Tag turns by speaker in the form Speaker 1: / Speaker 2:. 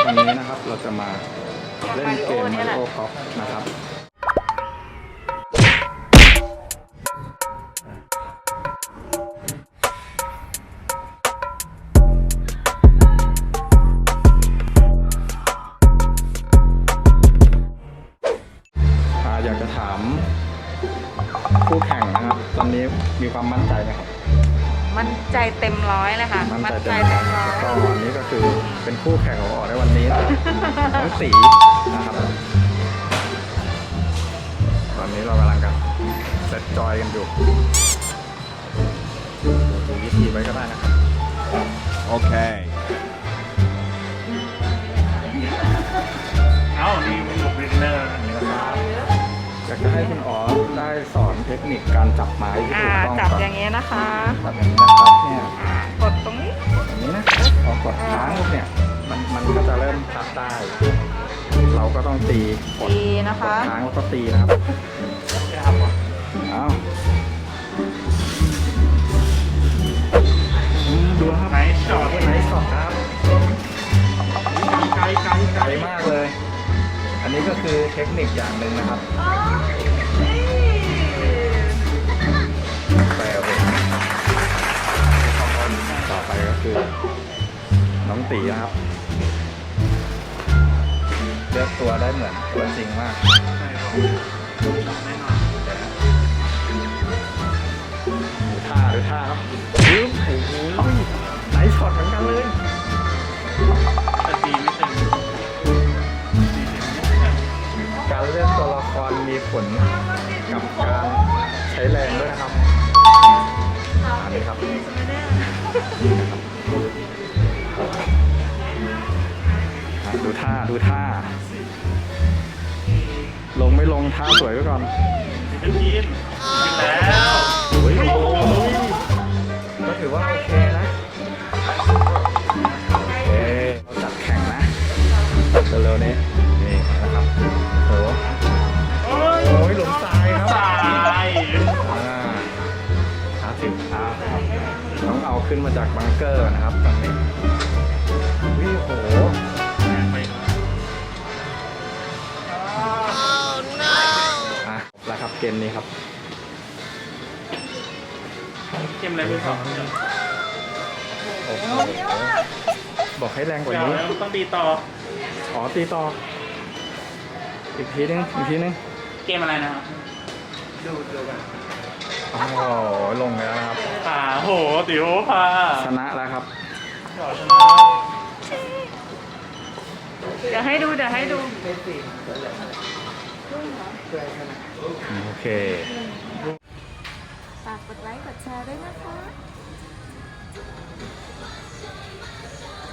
Speaker 1: วันนี้นะครับเราจะมาเล่นเกม Mario Golf นะครับอยากจะถามคู่แข่งนะครับตอนนี้มีความมั่นใจไหมครับ
Speaker 2: มั่นใจเต็มร้อยเลยค่ะ
Speaker 1: มั่นใจเต็มร้อยก็วันนี้ก็คือเป็นคู่แข่งของออกในวันนี้น้องตีนะครับตอนนี้เรากำลังกันเซตจอยกันอยู่ดูวิธีไว้ก็ได้นะครับ
Speaker 3: โอเค
Speaker 1: นี่นะครับอยากจะให้คุณอ๋อได้สอนเทคนิคการจับไม้ที่ถูกต้อง
Speaker 2: จับอย่างนี้นะคะ
Speaker 1: จับอย่างนี้นะครับเนี่ย
Speaker 2: กดตรงนี้
Speaker 1: อย่างนี้นะพอกดค้างเนี่ยมันก็จะเริ่มพับได้เราก็ต้องตี
Speaker 2: นะคะ
Speaker 1: ค้างแล้วก็ตีนะครับเอาดูครับไหนจอดไหนสอดครับไกลมากเลยอันนี้ก็คือเทคนิคอย่างหนึ่งนะครับแปลว่าต่อไปก็คือน้องตีนะครับเลือกตัวได้เหมือนตัวจริงมากดูท่าครับปึ๊บโอ้โหไหนช็อตเหมือนกันเลย
Speaker 4: แต่ตีไม่เต็ม
Speaker 1: การเลือกตัวละครมีผลกับการใช้แรงด้วยนะครับอันนี้ครับดูท่าลงไม่ลงท่าสวยไว้ก่อน
Speaker 4: กินแล้ว
Speaker 1: ก็ถือว่าโอเคนะโอเคเราจัดแข่งนะเร็วๆนี้นี่นะครับโอ้ยหลุมทรายครับ
Speaker 4: ตาย
Speaker 1: 50ต้องเอาขึ้นมาจากบังเกอร์นะครับตอนนี้วิโหแล้วครับเกมนี้ครับ
Speaker 4: เกมอะไรไม่รู้
Speaker 1: บอกให้แรงกว่านี้
Speaker 4: ต้องตีต่อ
Speaker 1: ตีต่ออีกทีนึง
Speaker 4: เกมอะไรนะครับ
Speaker 1: ดูกันลงแล้วนะครับ
Speaker 4: โหติ๋วพา
Speaker 1: ชนะแล้วครับ
Speaker 2: เดี๋ยวให้ดู
Speaker 1: โอเค
Speaker 2: ฝากกดไลค์กดแชร์ด้วยนะคะ